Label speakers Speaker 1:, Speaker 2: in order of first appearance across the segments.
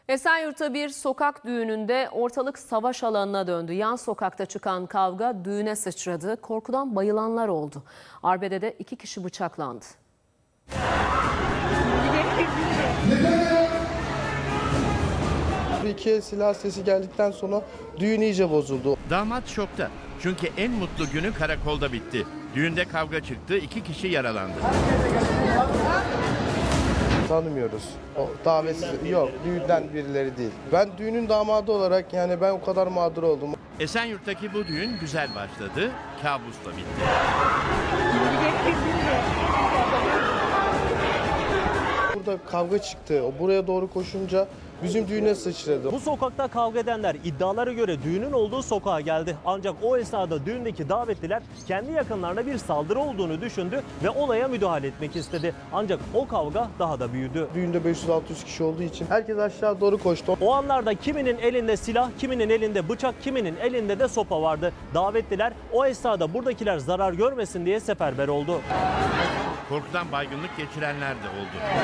Speaker 1: Esenyurt'ta bir sokak düğününde ortalık savaş alanına döndü. Yan sokakta çıkan kavga düğüne sıçradı. Korkudan bayılanlar oldu. Arbede'de 2 kişi bıçaklandı.
Speaker 2: İki el silah sesi geldikten sonra düğün iyice bozuldu.
Speaker 3: Damat şokta. Çünkü en mutlu günü karakolda bitti. Düğünde kavga çıktı, 2 kişi yaralandı.
Speaker 2: Tanımıyoruz. O davetsiz yok, düğünden birileri değil. Ben düğünün damadı olarak yani ben o kadar mağdur oldum.
Speaker 3: Esenyurt'taki bu düğün güzel başladı, kabusla bitti.
Speaker 2: Burada kavga çıktı. O buraya doğru koşunca bizim düğüne sıçradı.
Speaker 4: Bu sokakta kavga edenler iddialara göre düğünün olduğu sokağa geldi. Ancak o esnada düğündeki davetliler kendi yakınlarına bir saldırı olduğunu düşündü ve olaya müdahale etmek istedi. Ancak o kavga daha da büyüdü.
Speaker 2: Düğünde 500-600 kişi olduğu için herkes aşağı doğru koştu.
Speaker 4: O anlarda kiminin elinde silah, kiminin elinde bıçak, kiminin elinde de sopa vardı. Davetliler o esnada buradakiler zarar görmesin diye seferber oldu.
Speaker 3: Korkudan baygınlık geçirenler de oldu.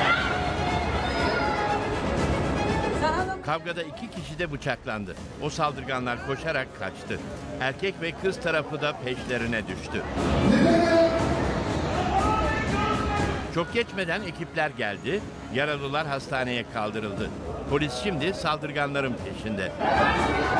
Speaker 3: Kavgada 2 kişi de bıçaklandı. O saldırganlar koşarak kaçtı. Erkek ve kız tarafı da peşlerine düştü. Çok geçmeden ekipler geldi, yaralılar hastaneye kaldırıldı. Polis şimdi saldırganların peşinde.